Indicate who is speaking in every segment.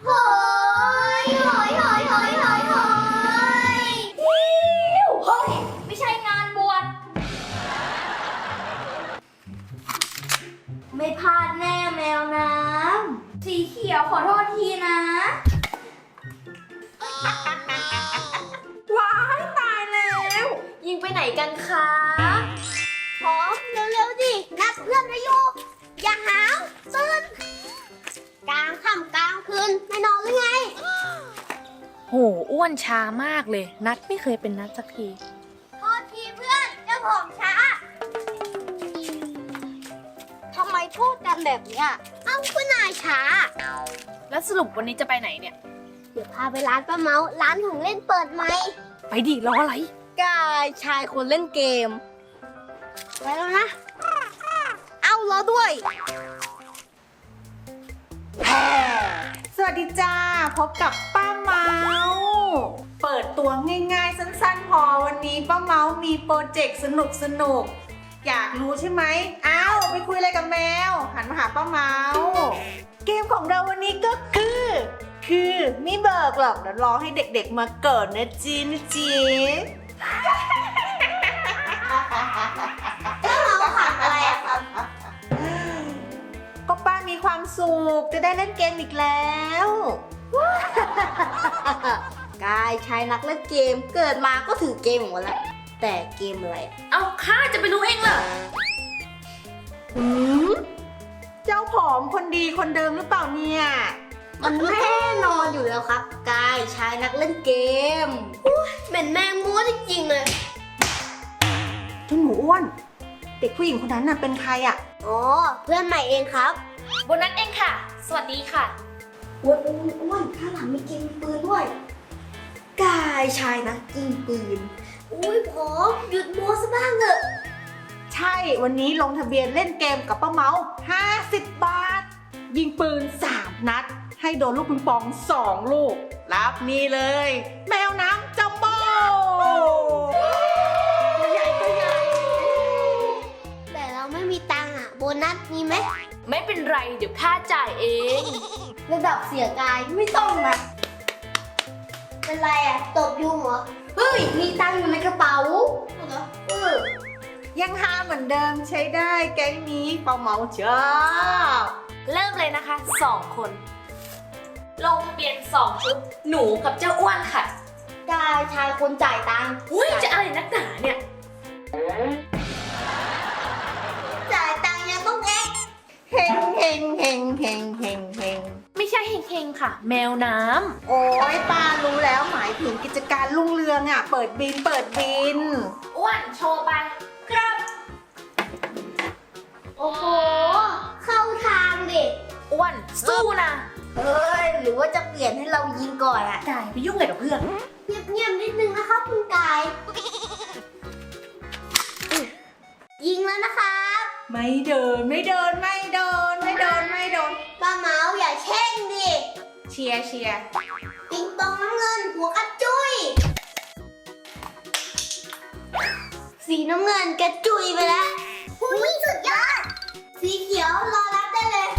Speaker 1: โหยโหยโหยโหยโหยโหยเฮ้ยไม่ใช่งานบวชไม่พลาดแน่แมวน้ำสีเขียวขอโทษทีนะ
Speaker 2: ว้ายตายแล้วยิงไปไหนกันคะ
Speaker 1: ขอเร็วๆดินัดเพื่อนมาอยู่อย่าหาวตื่นกลางค่ำกลางคืนไม่นอนหรือไง
Speaker 2: โหอ้วนช้ามากเลยนัดไม่เคยเป็นนัดสักที
Speaker 1: โทษทีเพื่อนเจ้าผมช้าทำไมพูดกันแบบเนี้ยเอ้าคุณนายช้า
Speaker 2: แล้วสรุปวันนี้จะไปไหนเนี่ย
Speaker 1: เดี๋ยวพาไปร้านป้าเมาร้านของเล่นเปิดไหม
Speaker 2: ไปดิรออะไร
Speaker 1: กายชายคนเล่นเกมไปแล้วนะเอารอด้วย
Speaker 3: สวัสดีจ้าพบกับป้าเมาเปิดตัวง่ายๆสั้นๆพอวันนี้ป้าเมามีโปรเจกต์สนุกอยากรู้ใช่ไหมอ้าวไปคุยอะไรกับแมวหันมาหาป้าเมาเกมของเราวันนี้ก็คือไม่เบิกหรอกเดี๋ยวรอให้เด็กๆมาเกิดนะจี
Speaker 1: เราขับอะไรอะครับ
Speaker 3: ก็ป้ามีความสุขจะได้เล่นเกมอีกแล้ว
Speaker 1: กายชายนักเล่นเกมเกิดมาก็ถือเกมหมดแล้วแต่เกมอะไร
Speaker 2: เอาข้าจะไปรู้เองเหรอ
Speaker 3: เจ้าผอมคนดีคนเดิมหรือเปล่าเนี่ย
Speaker 1: มันแน่นอนอยู่แล้วครับกายชายนักเล่นเกมเป็นแมงมุมจริงๆเลย
Speaker 3: เจ้าหนูอ้วนเด็กผู้หญิงคนนั้นน่ะเป็นใครอ่ะ
Speaker 1: อ๋อเพื่อนใหม่เองครับ
Speaker 2: โบนัสเองค่ะสวัสดีค่ะ
Speaker 1: อ้วนข้างหลังมีเกมปืนด้วยกายชายนักยิงปืนอุ้ยผมหยุดโม้ซะบ้างเถอะ
Speaker 3: ใช่วันนี้ลงทะเบียนเล่นเกมกับป้าเมา50 บาทยิงปืน3 นัดให้โดนลูกปิงปอง2 ลูกรับนี่เลยแมวน้ำจัมโบ้ตัวใหญ่
Speaker 1: แต่เราไม่มีตังค์อะโบนัสมีไหม
Speaker 2: ไม่เป็นไรเดี๋ยวข้าจ่ายเอง
Speaker 1: ระดับเสียกายไม่ต้องนะเป็นไรอะตบยุงเหรอเฮ้ยมีตังค์อยู่ในกระเป๋าเหรอ
Speaker 3: ยังหาเหมือนเดิมใช้ได้แก๊งนี้ป้าเมาชอบ
Speaker 2: เริ่มเลยนะคะ2 คนลงทะเบียน2 ชุดหนูกับเจ้าอ้วนค่ะ
Speaker 1: กายชายคนจ่ายตังค์
Speaker 2: อุ้ยจะอะไรนักหนาเนี่ย
Speaker 1: จ่ายตังค์ยังต้องเอ็ก
Speaker 3: เฮง
Speaker 2: ไม่ใช่เฮงค่ะแมวน้
Speaker 3: ำโอ้ยป้ารู้แล้วหมายถึงกิจการรุ่งเรืองอ่ะเปิดบิน
Speaker 2: อ้วนโชว์ไปครับ
Speaker 1: โอ้โหเข้าทางเด็ก
Speaker 2: อ้วนสู้นะ
Speaker 1: เฮ้ยหรือว่าจะเปลี่ยนให้เรายิงก่อนอะ
Speaker 2: กายไปยุ่งอะไรกับเพื่อน
Speaker 1: เงียบๆนิดนึงนะครับคุณกายยิงแล้วนะครับ
Speaker 3: ไม่เดิน
Speaker 1: ป้าเมาอย่าแช่งดิ
Speaker 3: เชียร์
Speaker 1: ปิงปองน้ำเงินหัวกระจุยสีน้ำเงินกระจุยไปแล้วหุ้ยสุดยอดสีเขียวรอรับได้เลย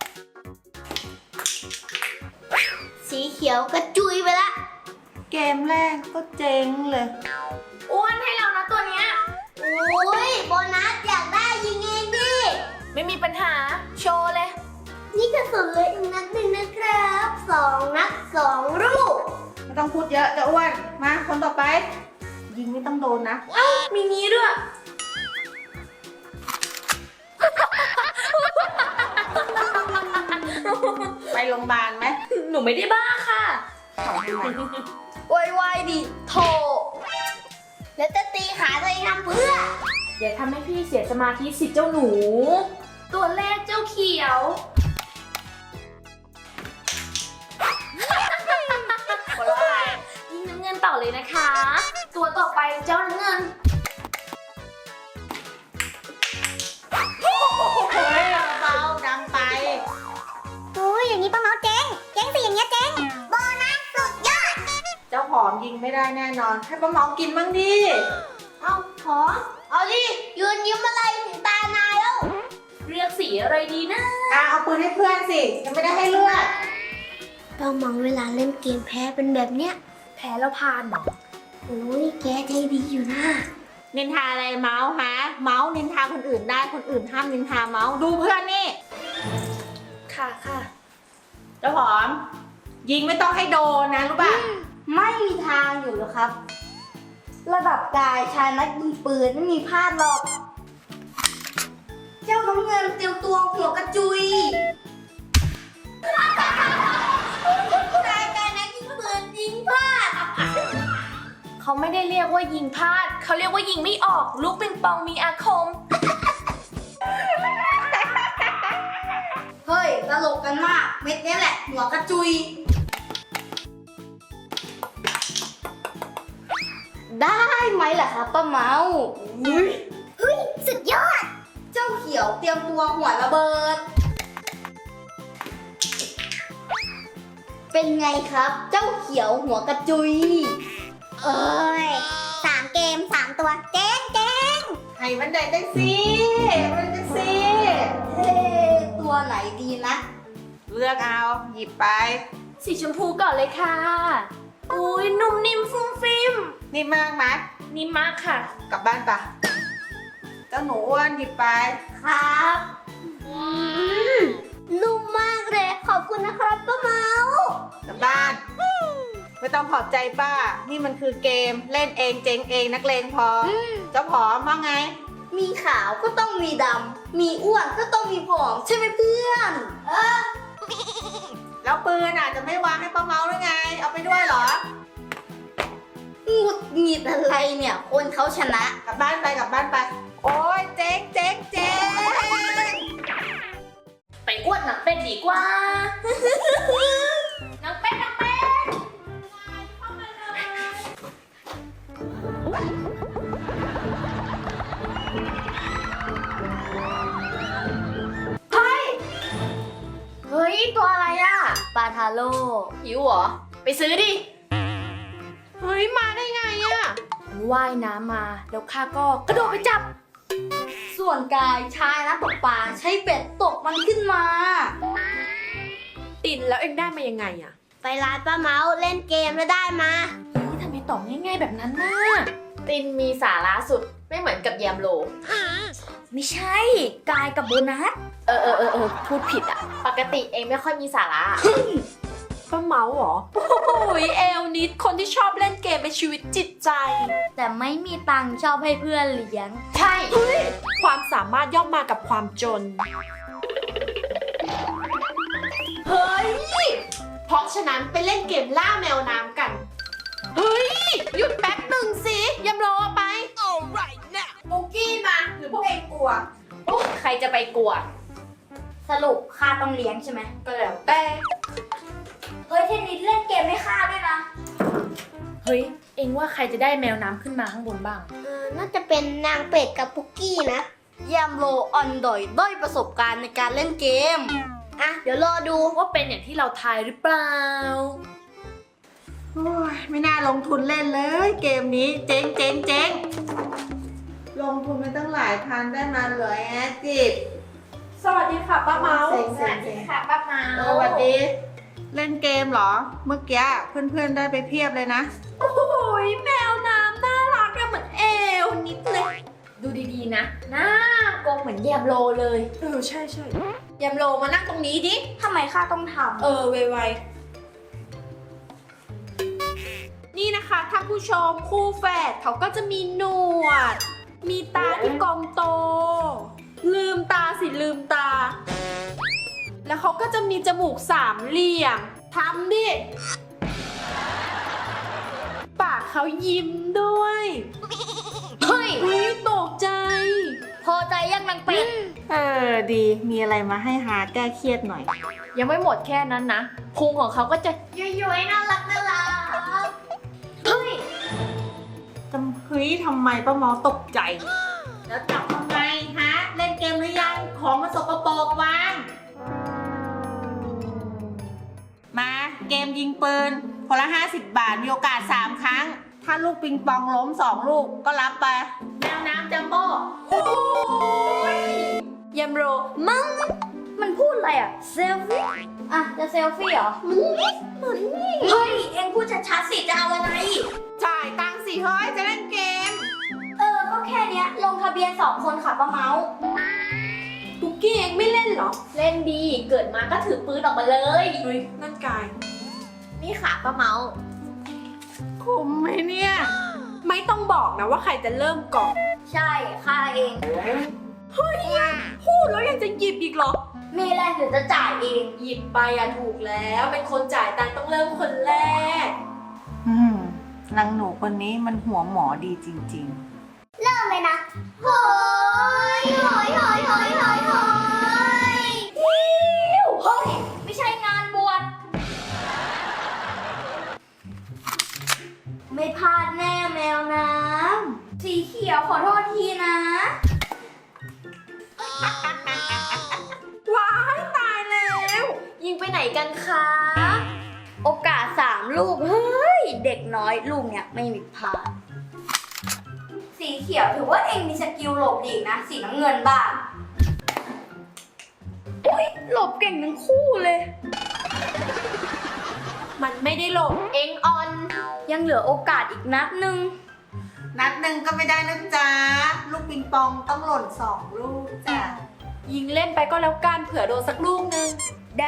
Speaker 1: สีเขียวกระจุยไปแล้ว
Speaker 3: เกมแรกก็เจ๊งเลย
Speaker 2: อ้วนให้เรานะตัวเนี้ย
Speaker 1: โอ้ยโบนัสอยากได้ยิงเองดิ
Speaker 2: ไม่มีปัญหาโชว์เลย
Speaker 1: นี่กระสุนเลยอีกนัดหนึ่งนะครับ2 นัด 2 ลูก
Speaker 3: ไม่ต้องพูดเยอะจะอ้วนมาคนต่อไปยิงไม่ต้องโดนนะ
Speaker 2: เอ้ามีนี้ด้วย
Speaker 3: ไปโรงพยาบาลไหม
Speaker 2: หนูไม่ได้บ้าค่ะ
Speaker 1: ไวๆดิโถแล้วจะตีขาตัวเองทำเพื่อ
Speaker 2: อย่าทำให้พี่เสียสมาธิสิเจ้าหนูตัวแรกเจ้าเขียวยิงน้ำเงินต่อเลยนะคะตัวต่อไปเจ้าน้ำเงิน
Speaker 3: เฮ้ยเบาดังไป
Speaker 1: โอ้ยอย่างนี้ป้าเมาเจ๊งสิอย่างเงี้ยเจ๊งโบนัสสุดยอด
Speaker 3: เจ้าหอมยิงไม่ได้แน่นอนให้ป้าเมากินบ้างดิ
Speaker 1: เอาหอมเอาดิยืนยิ้มอะไรถึงตานายแล้ว
Speaker 2: เลือกสีอะไรดีนะ
Speaker 3: เอาปืนให้เพื่อนสิยังไม่ได้ให้เลือก
Speaker 1: ป้ป้าเมาเวลาเล่นเกมแพ้เป็นแบบเนี้ย
Speaker 2: แพ้แล้วพานเหรอ
Speaker 1: โอ้ยแกใจดีอยู่นะ
Speaker 3: นินทาอะไรเมาส์ฮะ เมาส์นินทาคนอื่นได้คนอื่นห้ามนินทาเมาส์ดูเพื่อนนี่
Speaker 2: ค่ะค่ะ
Speaker 3: เจ้าหอม ยิงไม่ต้องให้โดนนะรู้ป่ะ
Speaker 1: ไม่มีทางอยู่หรอกครับ ระดับกายชายนักยิงปืนไม่มีพลาดหรอก เจ้าน้ำเงินเตรียมตัวหัวกระจุยชายกายนักยิงปืนยิงพลาด
Speaker 2: เขาไม่ได้เรียกว่ายิงพลาด เขาเรียกว่ายิงไม่ออก ลูกปิงปองมีอาคม
Speaker 1: เฮ้ยตลกกันมาก เม็ดนี้แหละ หัวกระจุย ได้ไหมล่ะครับป้าเมาเฮ้ย สุดยอด เจ้าเขียวเตรียมตัวหัวระเบิด เป็นไงครับ เจ้าเขียวหัวกระจุย
Speaker 4: เอ้ย3 เกม 3 ตัวเจ๊ง
Speaker 3: ให้มันได้ได้สิมันได้สิ
Speaker 1: เฮ้ตัวไหนดีนะ
Speaker 3: เลือกเอา หยิบไป
Speaker 2: สีชมพูก่อนเลยค่ะ อุ้ยนุ่มนิ่มฟุ้งฟิ้ม
Speaker 3: นี่มากไหม
Speaker 2: นิ่มมากค่ะ
Speaker 3: กลับบ้านปะเจ้าหนูอ้วนหยิบไป
Speaker 1: ครับนุ่มมากเลย ขอบคุณนะครับป้าเมา
Speaker 3: กลับบ้าน ไม่ต้องขอบใจป้า นี่มันคือเกมเล่นเองเจ๊งเองนักเลงพอเจ้าผอมว่าไง
Speaker 1: มีขาวก็ต้องมีดำ มีอ้วนก็ต้องมีผอมใช่ไหมเพื่อน
Speaker 3: แล้วปืนจะไม่วางให้ป้าเมาหรือไง เอาไปด้วยเหรอ
Speaker 1: หงุดหงิดอะไรเนี่ย คนเขาชนะ
Speaker 3: กลับบ้านไปกลับบ้านไป โอ้ยเจ๊งเจ๊งเจ๊ง
Speaker 2: ไปอ้วนหนังเป็ดดีกว่า หนังเป็ดหนังเป็ด เฮ้ย ตัวอะไรอะปลาทาโร่หิวเหรอ ไปซื้อดิ
Speaker 3: เฮ้ยมาได้ไงอะ
Speaker 2: มันว่ายน้ำมา แล้วข้าก็กระโดดไปจับ
Speaker 1: ส่วนกายชายนะตกปลาใช้เบ็ดตกมันขึ้นมา
Speaker 5: ตินแล้วเอ็งได้มายังไงอะ
Speaker 1: ไปร้านป้าเมาเล่นเกมแล้วได้มา
Speaker 2: เฮ้ยทำไมตอบง่ายๆแบบนั้นน่ะ ตินมีสาระสุด ไม่เหมือนกับแยมโล
Speaker 1: ไม่ใช่ กายกับโบนัส
Speaker 2: พูดผิดอ่ะ ปกติเองไม่ค่อยมีสาระ
Speaker 5: ป้าเมาเหรอ โอ้ยเอลนิดคนที่ชอบเล่นเกมเป็นชีวิตจิตใจ
Speaker 1: แต่ไม่มีตังค์ชอบให้เพื่อนเลี้ยง
Speaker 2: ใช่
Speaker 5: ความสามารถย่อมมากับความจน เฮ้ย เพราะฉะนั้นไปเล่นเกมล่าแมวน้ำกัน เฮ้ย หยุดแป๊บหนึ่งสิยำโรเอาไป
Speaker 3: ปุกกี้มาหรือพวกเองกลัว
Speaker 2: ใครจะไปกลัว
Speaker 1: สรุปค่าต้องเลี้ยงใช่ไหม
Speaker 2: ก็แล้วแต่
Speaker 1: เฮ้ยเทนนิสเล่นเกมไม่ค่าด้วยนะ
Speaker 2: เฮ้ย เองว่าใครจะได้แมวน้ำขึ้นมาข้างบนบ้าง
Speaker 1: น่าจะเป็นนางเป็ดกับปุกกี้นะยามโลออนดอยด้อยประสบการณ์ในการเล่นเกม อ่ะ เดี๋ยวรอดู
Speaker 2: ว่าเป็นอย่างที่เราทายหรือเปล่า
Speaker 3: โอ้ยไม่น่าลงทุนเล่นเลยเกมนี้เจ๊งเจ๊งเจ๊งลงทุนไปตั้งหลายพันได้มาเหลือแอดจิต
Speaker 5: สวัสดีค่ะป้าเมา
Speaker 3: เซ็งเซ็งเซ็ง
Speaker 2: ค่ะป้าเมา
Speaker 3: สวัสดี เล่นเกมเหรอ เมื่อกี้เพื่อนๆได้ไปเพียบเลยนะ
Speaker 5: โอ้ยแมวน้ำน่ารักอะเหมือนเอลนิดเลย
Speaker 2: ดูดีๆนะ หน้ากลมเหมือนแยมโลเลย
Speaker 5: ใช่ยำโรมานั่งตรงนี้ดิ
Speaker 1: ทำไมค่าต้องท
Speaker 5: ไวนี่นะคะท่านผู้ชมคู่แฝดเขาก็จะมีหนวด มีตาที่กลมโต ลืมตาสิลืมตา แล้วเขาก็จะมีจมูกสามเหลี่ยมทำดิ ปากเขายิ้มด้วย
Speaker 1: ำเฮ้ย
Speaker 5: เฮ้ยตกใจ
Speaker 1: พอใจยังนางเป็ด
Speaker 3: ดี มีอะไรมาให้หาแก้เครียดหน่อย
Speaker 2: ยังไม่หมดแค่นั้นนะ พุงของเขาก็จะ
Speaker 1: ย้อยๆน่ารักน่ารักเฮ้ย
Speaker 3: เฮ้ยทำไมป้าเมาตกใจ แล้วจับทำไมฮะ เล่นเกมหรือยัง ของมันสกปรกวาง มาเกมยิงปืนคนละ 50 บาท มีโอกาส 3 ครั้ง ถ้าลูกปิงปองล้ม 2 ลูกก็รับไป แมวน้ำจัมโบ้
Speaker 5: ยำโรมั่ง
Speaker 4: มันพูดอะไรอ่ะ เซลฟี่ อ่ะ จะเซลฟี่เหรอ มันนี่เฮ้ย เอ็งพูดชัดๆสิ จะเอาอะไร
Speaker 3: จ่ายตังค์สิเฮ้ยจะเล่นเกม
Speaker 4: ก็แค่เนี้ย ลงทะเบียน2 คนค่ะป้าเมาส์
Speaker 5: ปุกกี้เองไม่เล่นเหรอ
Speaker 2: เล่นดี เกิดมาก็ถือปืนออกมาเลย
Speaker 5: เฮ้ย นั่นกาย
Speaker 2: นี่ค่ะป้าเมาส์
Speaker 3: คุ้มไหมเนี่ย
Speaker 5: ไม่ต้องบอกนะว่าใครจะเริ่มก่อน
Speaker 4: ใช่ค่าเอง
Speaker 5: พูดแล้วยังจะหยิบอีกเหรอ
Speaker 4: มีแรงหรือจะจ่ายเอง
Speaker 5: หยิบไปอะถูกแล้ว เป็นคนจ่ายตังค์ต้องเริ่มคนแรก
Speaker 3: นางหนูคนนี้มันหัวหมอดีจริง
Speaker 4: เริ่มเลยนะโหยโหยโหยโหยโหยโหยฮิวเฮ้ย ไม่ใช่งานบวช ไม่พลาดแน่แมวน้ำ สีเขียวขอโทษทีนะ
Speaker 5: ว้ายตายแล้ว
Speaker 2: ยิงไปไหนกันคะ
Speaker 4: โอกาส3 ลูก เฮ้ย เด็กน้อยลูกเนี่ยไม่มีพลาด สีเขียวถือว่าเองมีสกิลหลบดีนะ สีน้ำเงินบ้างอุ้ยหลบเก่งทั้งคู่เลย
Speaker 5: มันไม่ได้หลบ
Speaker 2: เอ็งออน
Speaker 4: ยังเหลือโอกาสอีกนัดหนึ่ง
Speaker 3: ๆ นัดหนึ่งก็ไม่ได้นะจ๊ะ ลูกปิงปองต้องหล่น2 ลูกจ้ะ
Speaker 5: ยิงเล่นไปก็แล้วกันเผื่อโดนสักลูกนึง
Speaker 4: ได้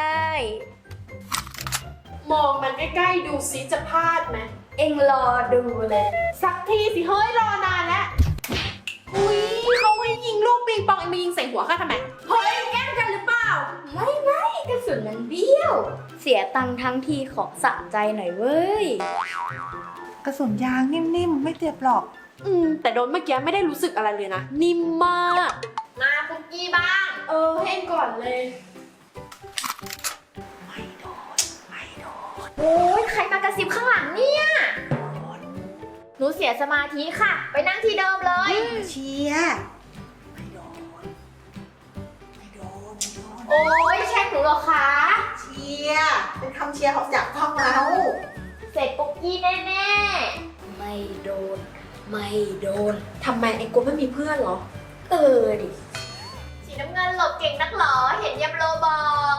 Speaker 5: มองมันใกล้ๆดูซิจะพลาดไหม
Speaker 4: เอ็งรอดูเลย
Speaker 5: สักทีสิเฮ้ยรอนานแล้ว อุ้ยเขาให้ยิงลูกปิงปองเอ็งมายิงใส่หัวข้าทำไม เฮ้ยแกล้งกันหรือเปล่า
Speaker 4: ไม่กระสุนมันเบี้ยว เสียตังค์ทั้งทีขอสะใจหน่อยเว้ย
Speaker 3: กระสุนยางนิ่มๆ ไม่เจ็บหรอก
Speaker 5: แต่โดนเมื่อกี้ไม่ได้รู้สึกอะไรเลยนะ นิ่มมาก
Speaker 2: มาปุกกี้บ้าง
Speaker 5: ให้เองก่อนเลย
Speaker 2: โอ้ยใครมากระซิบข้างหลังเนี่ย หนูเสียสมาธิค่ะ ไปนั่งที่เดิมเลย
Speaker 3: เชียร์ไม่โดน
Speaker 2: โอ้ยแช่งหนูเหรอคะ
Speaker 3: เชียร์เป็นคำเชียร์ของจากพ่อเมาส์
Speaker 2: เสร็จปุกกี้แน่
Speaker 4: ไม่โดน ไม่โดน
Speaker 5: ทำไมเอ็งกลัวไม่มีเพื่อนเหรอ
Speaker 4: ดิ
Speaker 2: ๆ สีน้ำเงินหลบเก่งนักหรอ เห็นยำโลบอก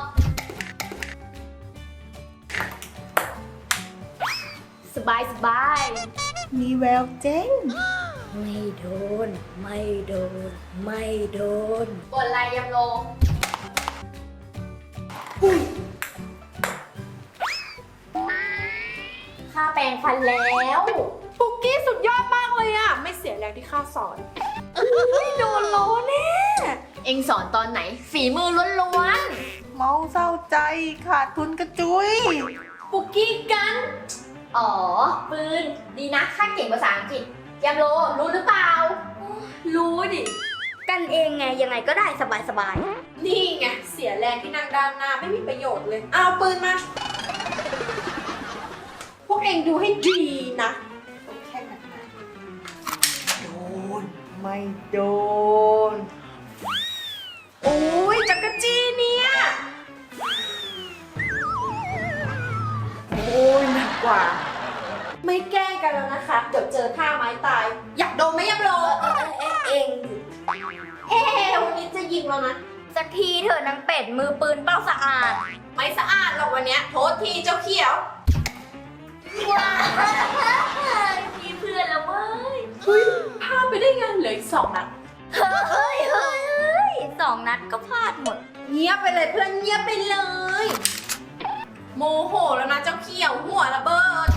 Speaker 4: สบายสบาย
Speaker 3: มีแววเจ๊ง
Speaker 4: ไม่โดน ไม่โดน ไม่โดน
Speaker 2: บนลายยำโล ค่าแปรงฟันแล้ว
Speaker 5: ปุกกี้สุดยอดมากเลยอะไม่เสียแรงที่ข้าสอนโดนล้อแน่
Speaker 2: เอ็งสอนตอนไหน ฝีมือล้วน
Speaker 3: เมาเศร้าใจขาดทุนกระจุย
Speaker 2: ๆ ปุกกี้กัน อ๋อ ปืน ดีนะข้าเก่งภาษาอังกฤษยำโล รู้หรือเปล่า
Speaker 5: รู้ดิ
Speaker 4: กันเองไงยังไงก็ได้สบายสบาย
Speaker 5: นี่ไง เสียแรงที่นั่งด้านหน้าไม่มีประโยชน์เลย เอาปืนมา พวกเองดูให้ดีนะ
Speaker 3: แค่นั้นนะโดน ไม่โดน
Speaker 5: โอ้ยจักรจี้เนี่ย
Speaker 3: โอ้ยหนักกว่า
Speaker 5: ไม่แกล้งกันแล้วนะคะ เดี๋ยวเจอท่าไม้ตาย อยากโดนไหมยับโล
Speaker 4: เอง
Speaker 5: วันนี้จะยิงแล้วนะ
Speaker 4: สักทีเถอะนางเป็ดมือปืนเป้าสะอาด
Speaker 5: ไม่สะอาดหรอกวันเนี้ยโทษทีเจ้าเขียว
Speaker 4: ว้ามีเพื่อนแล้วเว้ย
Speaker 5: พลาดไปได้ไงเหลืออีก2 นัด
Speaker 4: เฮ้ย2 นัดก็พลาดหมด
Speaker 5: เงียบไปเลยเพื่อนเงียบไปเลย โมโหแล้วนะเจ้าเขียวหัวระเบิด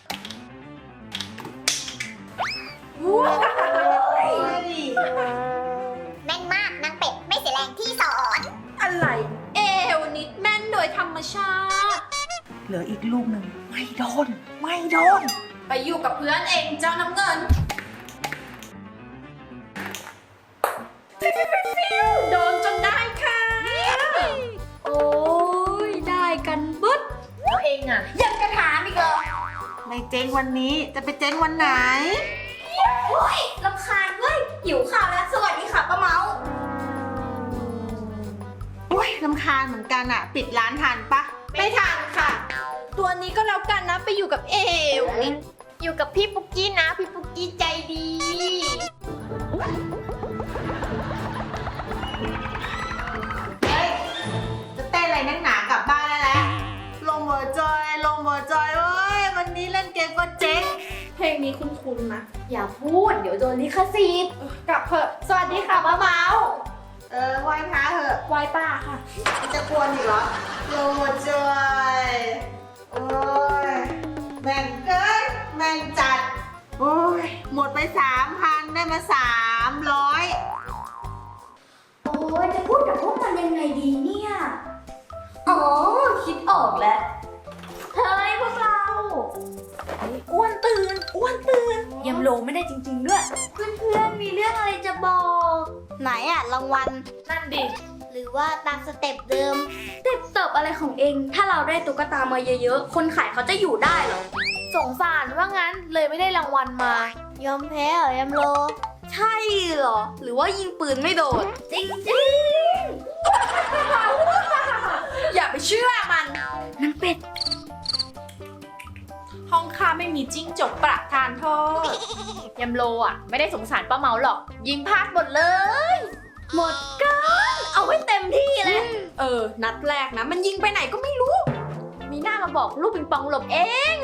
Speaker 5: ว้าว
Speaker 4: แม่นมากนางเป็ดไม่เสียแรงที่สอน
Speaker 5: อะไร วันนี้แม่นโดยธรรมชาติ
Speaker 3: เหลืออีกลูกหนึ่งไม่โดน ไม่โดน
Speaker 5: ไปอยู่กับเพื่อนเองเจ้าน้ำเงิน โดนจนได้ค่ะ
Speaker 4: โอ้ยได้กันบึ๊ด
Speaker 2: แล้วเองอ่ะ
Speaker 4: ยังกระถามอีกเหรอ
Speaker 3: ไม่เจ๊งวันนี้จะไปเจ๊งวันไหน
Speaker 4: โอ้ยรำคาญเว้ยหิวข้าวแล้วสวัสดีค่ะป้าเมา
Speaker 3: โอ้ยรำคาญเหมือนกันอะปิดร้านทันปะ
Speaker 5: ไม่ทันค่ะ ตัวนี้ก็แล้วกันนะไปอยู่กับเอว
Speaker 2: อยู่กับพี่ปุกกี้นะ พี่ปุกกี้ใจดี
Speaker 3: เฮ้ยบ่จอยลงบ่จอยเว้ยวันนี้เล่นเกมก็เจ๊ง
Speaker 5: เพลงนี้คุ้นๆนะ
Speaker 2: อย่าพูด เดี๋ยวโดนลิขสิทธิ์
Speaker 5: กลับเถอะสวัสดีค่ะป้าเมา
Speaker 3: ไหว้พระเหอะ
Speaker 5: ไหว้ป้าค่ะ
Speaker 3: จะกวนอีกเหรอลงบ่จอยโอ้ยแม่งเกินแม่งจัดโอ้ยหมดไป 3,000 ได้มา300
Speaker 4: โอ้ยจะพูดกับพวกมันยังไงดีเนี่ย อ๋อ คิดออกแล้ว เฮ้ยพวกเรา อ้วนตื่น อ้วนตื่นยำโลไม่ได้จริงๆด้วย เพื่อนๆ มีเรื่องอะไรจะบอก
Speaker 1: ไหนอะรางวัล
Speaker 5: นั่นดิ
Speaker 1: หรือว่าตามสเต็ปเดิม
Speaker 4: เต็บเติบอะไรของเอง ถ้าเราได้ตุ๊กตามาเยอะๆ คนขายเขาจะอยู่ได้เหรอ
Speaker 2: สงสารว่างั้นเลยไม่ได้รางวัลมา
Speaker 1: ยอมแพ้เหรอยำโล
Speaker 4: ใช่เหรอ หรือว่ายิงปืนไม่โดน จริง
Speaker 5: อย่าไปเชื่อมัน
Speaker 4: ๆนั่นเป็ด
Speaker 5: ห้องข้าไม่มีจิ้งจกประทานโทษ
Speaker 2: ยำโลอ่ะ ไม่ได้สงสารป้าเมาหรอก ยิงพลาดหมดเลย
Speaker 4: หมดกันเอาไว้เต็มที่เลย
Speaker 5: นัดแรกนะ มันยิงไปไหนก็ไม่รู้
Speaker 2: มีหน้ามาบอกลูกปิงปองหลบเอง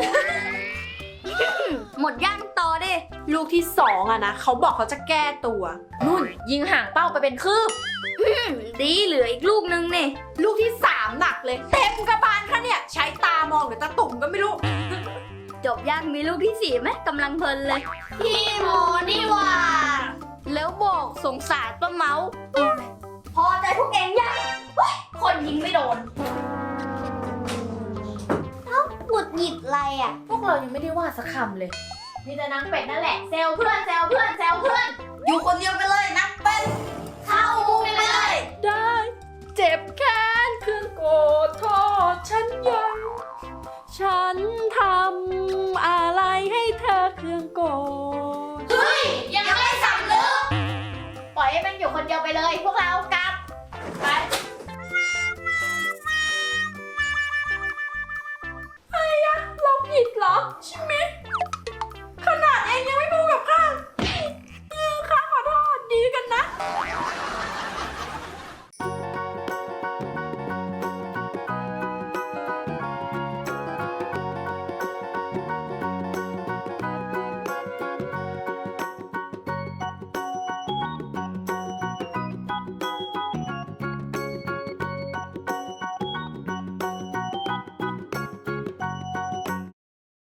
Speaker 4: หมดย่างต่อดิ
Speaker 5: ลูกที่2อะนะ เขาบอกเขาจะแก้ตัว
Speaker 2: นุ่นยิงห่างเป้าไปเป็นคืบ
Speaker 4: ดีเหลืออีกลูกนึงนี่
Speaker 5: ลูกที่3หนักเลย เต็มกระบาลค่ะเนี่ย ใช้ตามองหรือตาตุ่มก็ไม่รู้
Speaker 4: จบย่างมีลูกที่4ไหมกำลังเพลินเลย
Speaker 1: พี่โมนี่หว่า
Speaker 4: แล้วบอกสงสารป้าเมาพอใจพวกเองยังเฮ้ยคนยิงไม่โดน
Speaker 1: หงุดหงิดอะไรอะ
Speaker 2: พวกเรายังไม่ได้ว่าสักคำเลย มีแต่นางเป็ดนั่นแหละแซวเพื่อนแซวเพื่อนแซวเพื่อน
Speaker 3: อยู่คนเดียวไปเลยนักเป็น
Speaker 1: เข้ามุมไปเลย
Speaker 5: ได้ เจ็บแค้นเครื่องโกรธโทษฉันยัง ฉันทำอะไรให้เธอเครื่องโกรธ
Speaker 2: เฮ้ย ยังไม่สำนึกปล่อยให้มันอยู่คนเดียวไปเลย พวกเรา